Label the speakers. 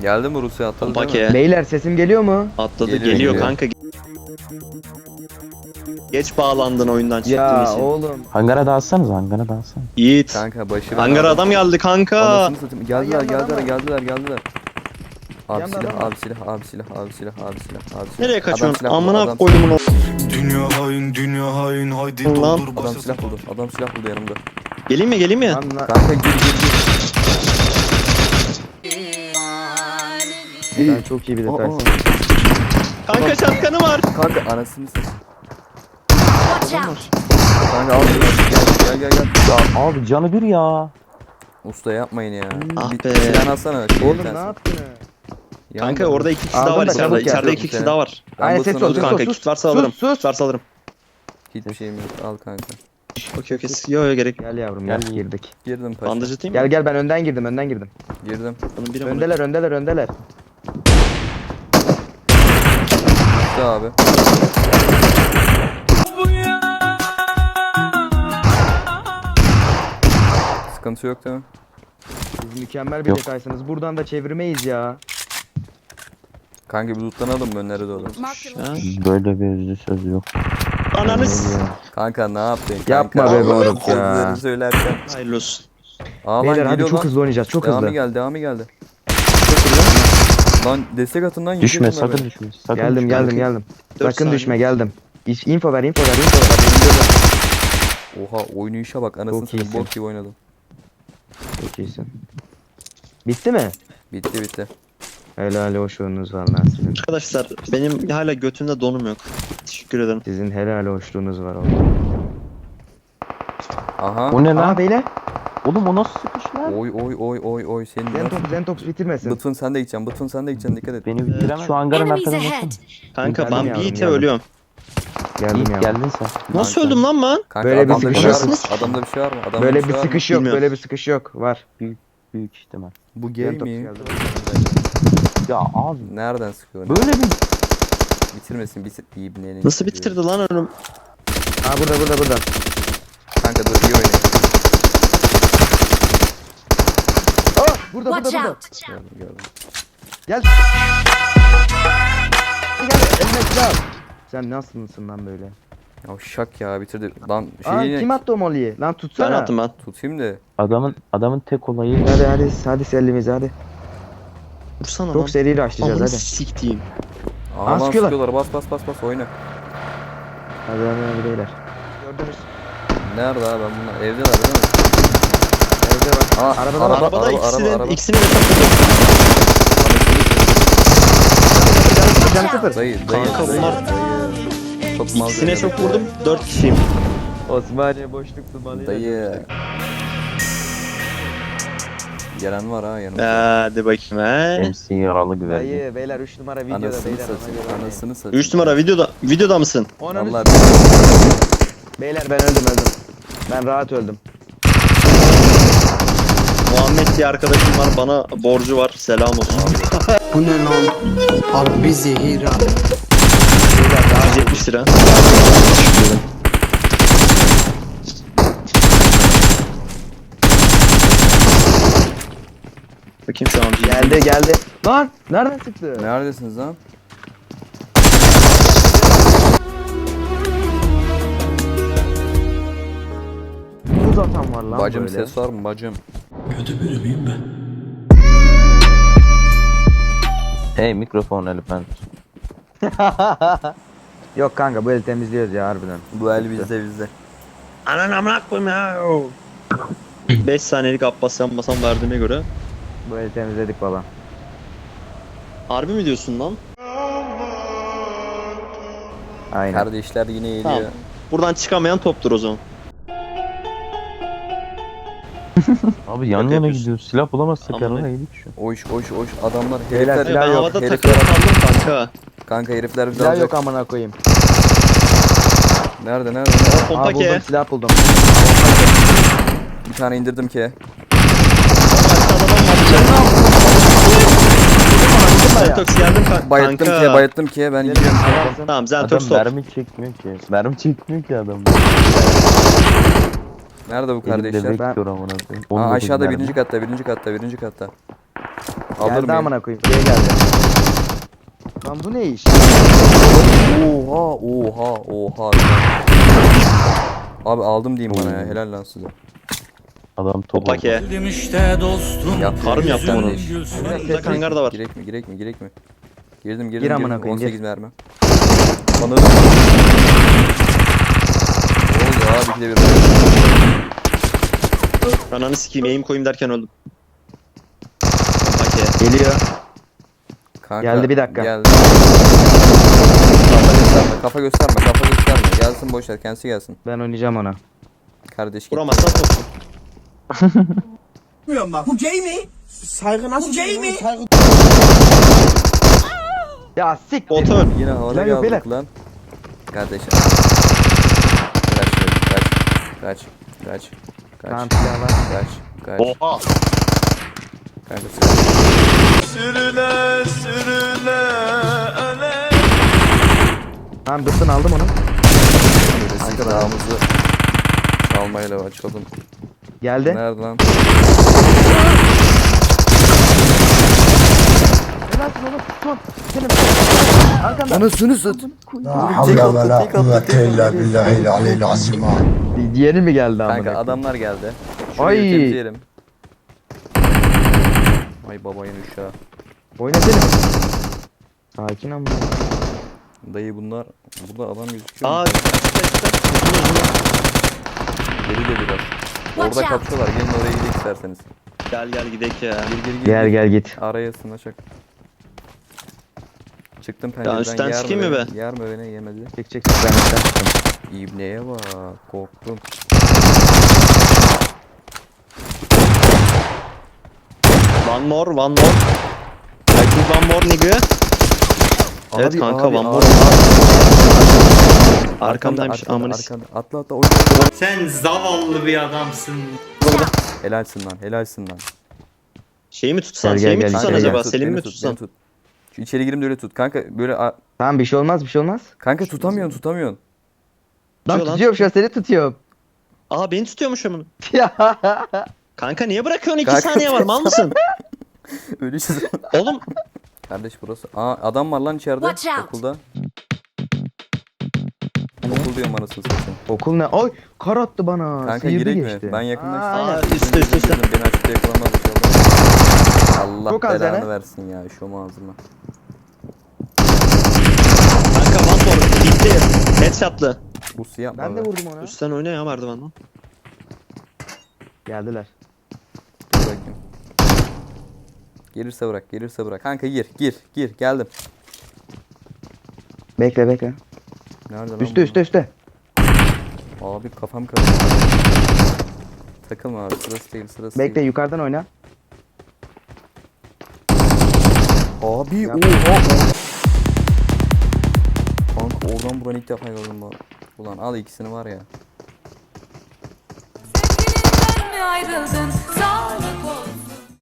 Speaker 1: Geldi mi Rusya atladı değil mi?
Speaker 2: Pake.
Speaker 3: Beyler sesim geliyor mu?
Speaker 2: Atladı
Speaker 1: Geliyor,
Speaker 2: geliyor
Speaker 1: geliyor.
Speaker 2: kanka. Geç bağlandın oyundan çıktığın
Speaker 3: Ya
Speaker 2: için.
Speaker 3: oğlum.
Speaker 4: Hangara dağıtsanız, hangara dağıtsanız.
Speaker 2: Yiğit.
Speaker 1: Kanka başı
Speaker 2: Hangara adam geldi kanka.
Speaker 1: Anasını satayım. Geldiler
Speaker 3: Ay, yandan
Speaker 1: geldiler. Abi
Speaker 3: Yandan
Speaker 1: silah,
Speaker 3: adam
Speaker 1: abi silah, abi silah, abi silah, abi silah, abi silah.
Speaker 2: Nereye
Speaker 1: Adam
Speaker 2: kaçıyorsun?
Speaker 1: silah buldu,
Speaker 2: Amına
Speaker 1: adam
Speaker 2: koydumun o.
Speaker 5: Dünya hain haydi
Speaker 2: Lan.
Speaker 5: doldur
Speaker 1: Adam
Speaker 5: başını.
Speaker 1: silah buldu. Adam silah buldu yanımda.
Speaker 2: Geleyim mi?
Speaker 3: Lan lan.
Speaker 1: Kanka gir.
Speaker 3: Sen çok iyi bir
Speaker 1: Aa,
Speaker 3: detaysın.
Speaker 2: Kanka şatkanı var.
Speaker 1: Kanka anasını satayım.
Speaker 6: Watch out!
Speaker 1: Kanka al gel.
Speaker 4: Ya abi canı bir ya.
Speaker 1: Usta yapmayın ya.
Speaker 2: Ah
Speaker 1: Bir
Speaker 2: be.
Speaker 1: silah alsana.
Speaker 3: Oğlum ne yaptın?
Speaker 2: Kanka orada 2 kişi daha
Speaker 3: Aldın
Speaker 2: var
Speaker 3: da
Speaker 2: içeride.
Speaker 3: çabuk
Speaker 2: İçeride
Speaker 3: gel.
Speaker 2: 2 kişi daha var.
Speaker 3: Aynen ses ol
Speaker 2: Dur
Speaker 3: ses
Speaker 2: kanka
Speaker 3: ol sus.
Speaker 2: kit varsa alırım.
Speaker 3: Sus.
Speaker 2: Kit varsa alırım.
Speaker 1: Hiçbir şeyim yok. Al kanka.
Speaker 2: Okey. Yo gerek yok.
Speaker 3: Gel yavrum
Speaker 4: Gel.
Speaker 3: gel girdik.
Speaker 1: Girdim paşa.
Speaker 2: Bandaj atayım mı?
Speaker 3: Gel ben önden girdim.
Speaker 1: Girdim.
Speaker 2: Bunun biri amına.
Speaker 3: Öndeler.
Speaker 1: Usta abi. Sıkıntı yok değil mi?
Speaker 3: Siz mükemmel bir
Speaker 4: Yok.
Speaker 3: detaysınız. Buradan da çevirmeyiz ya.
Speaker 1: Kanka bir lootlanalım mı önlere doğru?
Speaker 6: Marked a
Speaker 2: Ha?
Speaker 6: location.
Speaker 4: Böyle bir yüzlü söz yok.
Speaker 2: Ananı s-
Speaker 1: Kanka ne yaptın?
Speaker 3: Yapma
Speaker 1: kanka?
Speaker 3: be moruk ya.
Speaker 1: Sözlerini söylerken.
Speaker 2: Hayırlı olsun.
Speaker 1: Aa lan
Speaker 3: Beyler hadi
Speaker 1: geliyor
Speaker 3: çok
Speaker 1: lan.
Speaker 3: hızlı oynayacağız çok
Speaker 1: Devamı
Speaker 3: hızlı.
Speaker 1: geldi. Lan destek atın lan.
Speaker 4: Düşme,
Speaker 1: yiyeceğim bunları.
Speaker 4: sakın düşme. Sakın
Speaker 3: Geldim
Speaker 4: düşme.
Speaker 3: geldim.
Speaker 2: 4
Speaker 3: Sakın
Speaker 2: saniye.
Speaker 3: düşme geldim. Info ver.
Speaker 1: Oha oynayışa bak anasını
Speaker 3: Çok
Speaker 1: satayım
Speaker 3: iyisin.
Speaker 1: bok gibi oynadım.
Speaker 3: Çok iyisin. Bitti mi?
Speaker 1: Bitti.
Speaker 3: Helal hoşluğunuz var lan sizin.
Speaker 2: Arkadaşlar benim hala götümde donum yok. Teşekkür ederim.
Speaker 3: Sizin helal hoşluğunuz var oğlum.
Speaker 1: Aha.
Speaker 4: O ne lan?
Speaker 3: Aa beyler.
Speaker 4: Oğlum o nasıl sıkış lan?
Speaker 1: Oy senin nasıl?
Speaker 3: Zentox bitirmesin.
Speaker 1: Bıtfın sen de gideceksin dikkat et.
Speaker 4: Beni bitiremez. Şu hangarın
Speaker 6: Enemies
Speaker 4: arkasına
Speaker 6: ahead!
Speaker 4: nasıl?
Speaker 2: Kanka
Speaker 3: Geldim
Speaker 2: ben
Speaker 3: yavrum,
Speaker 2: Yiğit'e
Speaker 3: geldim.
Speaker 2: ölüyorum.
Speaker 3: Geldim
Speaker 4: Yiğit
Speaker 3: ya.
Speaker 4: geldin sen.
Speaker 2: Nasıl
Speaker 1: Kanka.
Speaker 2: öldüm lan ben?
Speaker 1: Kanka
Speaker 3: Böyle bir
Speaker 1: adamda
Speaker 3: sıkış
Speaker 1: var
Speaker 2: yok.
Speaker 1: mı? Adamda bir şey var mı? Adamda
Speaker 3: Böyle bir
Speaker 1: şey var mı?
Speaker 3: sıkış yok.
Speaker 2: Bilmiyorum.
Speaker 3: Böyle bir sıkış yok. Var.
Speaker 4: Büyük ihtimal.
Speaker 1: Bu gay
Speaker 3: Zentox
Speaker 1: mi?
Speaker 3: geldi.
Speaker 4: Ya abi.
Speaker 1: Nereden sıkıyor?
Speaker 4: Böyle bir...
Speaker 1: Bitirmesin İbnenin.
Speaker 2: Nasıl bitirdi lan ölüm?
Speaker 3: Aa burada.
Speaker 1: Kanka dur iyi oynayın.
Speaker 3: Aa burada.
Speaker 6: Watch out!
Speaker 1: Gördüm.
Speaker 3: Gel. Eline silah. Sen nasılsın lan böyle?
Speaker 1: Ya şak ya bitirdi. Lan
Speaker 3: Aa
Speaker 1: şeyi
Speaker 3: kim attı o molly'yi? Lan
Speaker 2: Ben
Speaker 3: tutsana.
Speaker 2: attım ben.
Speaker 1: tutayım da.
Speaker 4: Adamın tek olayı
Speaker 3: Hadi sellimizi hadi.
Speaker 2: Vursana lan.
Speaker 3: Çok seri rushlayacağız
Speaker 2: Amına
Speaker 3: hadi.
Speaker 2: siktiğim.
Speaker 1: Aa lan
Speaker 3: sıkıyorlar.
Speaker 1: sıkıyorlar. Bas oyna.
Speaker 3: Hadi beyler. Gördünüz.
Speaker 1: Nerede abi ben bunlar? Evdeler değil mi?
Speaker 3: Evde bak.
Speaker 1: Aa,
Speaker 3: Arabada var.
Speaker 2: Arabada
Speaker 1: araba.
Speaker 2: ikisini de takıldı.
Speaker 3: Canı sıfır.
Speaker 1: Dayı.
Speaker 2: Kanka bunlar-
Speaker 1: Çok mal.
Speaker 2: İkisine çok vurdum. 4 kişiyim.
Speaker 3: Osmaniye boşluk dumanı.
Speaker 1: Dayı. Gelen var ha yanımda.
Speaker 2: Hadi bakayım he.
Speaker 4: MC yaralı güvercin.
Speaker 3: Dayı beyler 3 numara videoda
Speaker 1: Anasını
Speaker 3: beyler.
Speaker 1: satayım. Anasını satayım.
Speaker 2: 3 numara videoda mısın?
Speaker 1: Vallahi
Speaker 3: Beyler ben öldüm. Ben rahat öldüm.
Speaker 2: Muhammed diye arkadaşım var, bana borcu var. Selam olsun.
Speaker 7: Bu ne lan? Harbi zehir ha.
Speaker 2: 170 lira. Bakayım şu an.
Speaker 3: Geldi. Lan nereden çıktı?
Speaker 1: neredesiniz lan?
Speaker 3: Buz atan var lan
Speaker 1: Bacım
Speaker 3: böyle.
Speaker 1: ses var mı bacım?
Speaker 4: Hey mikrofon elefant.
Speaker 3: Yok kanka bu eli temizliyoruz ya harbiden.
Speaker 1: Bu el bizde.
Speaker 2: Anan amına koyayım ya. 5 saniyelik Abbas yanmasam verdiğime göre.
Speaker 3: Bu eli temizledik baba.
Speaker 2: Harbi mi diyorsun lan?
Speaker 3: Aynen.
Speaker 1: Kardeşler yine geliyor.
Speaker 2: Tamam. Buradan çıkamayan toptur o zaman.
Speaker 4: Abi yan yana
Speaker 2: yapıyorsun?
Speaker 4: gidiyoruz. Silah bulamazsak
Speaker 2: Aman
Speaker 4: yanına
Speaker 2: ne?
Speaker 4: yedik şu.
Speaker 1: Oş adamlar
Speaker 3: Beyler,
Speaker 1: herifler.
Speaker 3: silah
Speaker 2: Ben
Speaker 3: yok,
Speaker 2: havada
Speaker 1: herifler-
Speaker 2: takılı kaldım kanka.
Speaker 1: Kanka herifler bizi
Speaker 3: Silah
Speaker 1: alacak.
Speaker 3: yok amına koyayım.
Speaker 1: Nerede?
Speaker 3: Aa
Speaker 2: Pompa
Speaker 3: buldum
Speaker 2: ke.
Speaker 3: silah buldum.
Speaker 1: Bir tane indirdim ki.
Speaker 2: Zentox geldim kanka.
Speaker 1: Bayıttım ki ben gidiyorum.
Speaker 2: Tamam Zentox
Speaker 4: Adam
Speaker 2: top.
Speaker 4: mermi çekmiyor ki. Mermi çekmiyor ki adam.
Speaker 1: Nerede bu
Speaker 4: Elimde
Speaker 1: kardeşler?
Speaker 4: bekliyor amına koyayım.
Speaker 1: Aa,
Speaker 4: 19
Speaker 1: aşağıda
Speaker 4: mermi.
Speaker 1: birinci katta. Alır
Speaker 3: Geldi
Speaker 1: mıyım?
Speaker 3: amına koyayım. Buraya geldi. Lan bu ne iş?
Speaker 1: Oha. Abi aldım diyeyim bana ya. Helal lan size.
Speaker 4: Adam top oldu.
Speaker 2: Pake.
Speaker 5: işte dostum.
Speaker 1: Yap,
Speaker 2: Karım yaptı
Speaker 1: yüzden
Speaker 2: bunu.
Speaker 1: de iş.
Speaker 2: Burada kangar da var.
Speaker 1: Girek mi? Girdim.
Speaker 3: Gir amına koyayım,
Speaker 1: 18
Speaker 3: gir.
Speaker 1: mermi. Bana da. Oldu abi ikide bir.
Speaker 2: Ananı sikeyim eğim koyayım derken öldüm. Pake.
Speaker 3: Geliyor.
Speaker 1: Kanka,
Speaker 3: Geldi, bir dakika.
Speaker 1: Geldi. Kafa gösterme. Gelsin boşver, kendisi gelsin.
Speaker 3: Ben oynayacağım ona.
Speaker 1: Kardeş git.
Speaker 2: Vuramazsan soksun.
Speaker 3: Ya sik.
Speaker 2: Bota öl.
Speaker 1: Yine havada
Speaker 3: Lan yok,
Speaker 1: kaldık lan. Kardeşim. Kaç.
Speaker 3: Tamam silah var.
Speaker 1: Kaç.
Speaker 2: Oha.
Speaker 1: Kanka
Speaker 3: Tamam bıktın aldım onu.
Speaker 1: silahımızı çalmayla açalım.
Speaker 3: Geldi.
Speaker 1: Nerede lan?
Speaker 3: Helalsin oğlum. Son. Senin. Arkanda.
Speaker 1: Anasını sat.
Speaker 7: La havle ve la kuvvete illa billahil aliyyil azim.
Speaker 3: Diğeri mi geldi amına?
Speaker 1: Kanka adamlar geldi.
Speaker 3: Ay.
Speaker 1: Şurayı temizleyelim. Ay babayın uşağı.
Speaker 3: Oynasana. Sakin ama.
Speaker 1: Dayı bunlar. Burada adam gözüküyor.
Speaker 2: Aa
Speaker 1: mu? Geri de biraz.
Speaker 6: Watch
Speaker 1: Orada
Speaker 6: out.
Speaker 1: kapışıyorlar. Gelin oraya gidelim isterseniz.
Speaker 2: gel gidek ya.
Speaker 3: Gel git.
Speaker 1: Araya sığınaşak. Çıktım pencereden.
Speaker 2: üstten
Speaker 1: yer
Speaker 2: sikeyim mi
Speaker 1: beni? Yer mi beni? Yemedi.
Speaker 3: Çek ben üstten çıktım.
Speaker 1: İbneye bak. Korktum.
Speaker 2: One more. I think one more nigga. Evet kanka, one more. Arkamdaymış amına sikeyim.
Speaker 1: Atla oyna.
Speaker 8: Sen zavallı bir adamsın.
Speaker 1: Helalsin lan.
Speaker 2: Şeyi mi tutsan?
Speaker 3: Gel,
Speaker 2: Şeyi mi
Speaker 3: gel,
Speaker 2: tutsan
Speaker 3: gel,
Speaker 2: acaba?
Speaker 1: Beni tut,
Speaker 2: Selim
Speaker 1: beni
Speaker 2: mi
Speaker 1: tut,
Speaker 2: tutsan?
Speaker 1: beni tut. Şu içeri girim de öyle tut. Kanka böyle
Speaker 3: Tamam bir şey olmaz.
Speaker 1: kanka tutamıyorsun.
Speaker 3: Lan
Speaker 2: Tutuyor lan.
Speaker 3: tutuyorum şu an seni tutuyorum.
Speaker 2: Aa beni tutuyormuş amına.
Speaker 3: Ya.
Speaker 2: Kanka niye bırakıyorsun? 2
Speaker 1: Kanka,
Speaker 2: saniye var, mal mısın?
Speaker 1: Öyle şey.
Speaker 2: Oğlum
Speaker 1: Kardeş burası. Aa adam var lan içeride
Speaker 6: Watch out.
Speaker 1: okulda. Okul diyorum anasını satayım.
Speaker 3: Okul ne? Ay kar attı bana.
Speaker 1: Kanka
Speaker 3: Sıyırdı
Speaker 1: girek
Speaker 3: geçti.
Speaker 1: mi? Ben yakından
Speaker 3: Aa,
Speaker 2: üstte.
Speaker 1: Beni açıkta yakalamaz inşallah. Allah
Speaker 3: Çok az
Speaker 1: belanı
Speaker 3: yani.
Speaker 1: versin ya şu ağzıma.
Speaker 2: kanka one more. Gitti. Headshot'lı.
Speaker 1: Bu yapma
Speaker 3: Ben de
Speaker 1: be.
Speaker 3: vurdum ona.
Speaker 2: Üstten oyna ya merdivenden.
Speaker 3: Geldiler.
Speaker 1: Dur bakayım. Gelirse bırak. Kanka gir. Geldim.
Speaker 3: Bekle.
Speaker 1: Nerede lan
Speaker 3: Üste.
Speaker 1: bu? Abi kafam karıştı. Takılma abi sırası değil.
Speaker 3: Bekle yukarıdan oyna.
Speaker 1: Abi
Speaker 3: Yap.
Speaker 1: oha. Kanka oradan buranı ilk defa gördüm bu. Ulan al ikisini var ya.
Speaker 6: Sevgilinden mi ayrıldın? Sağlık olsun.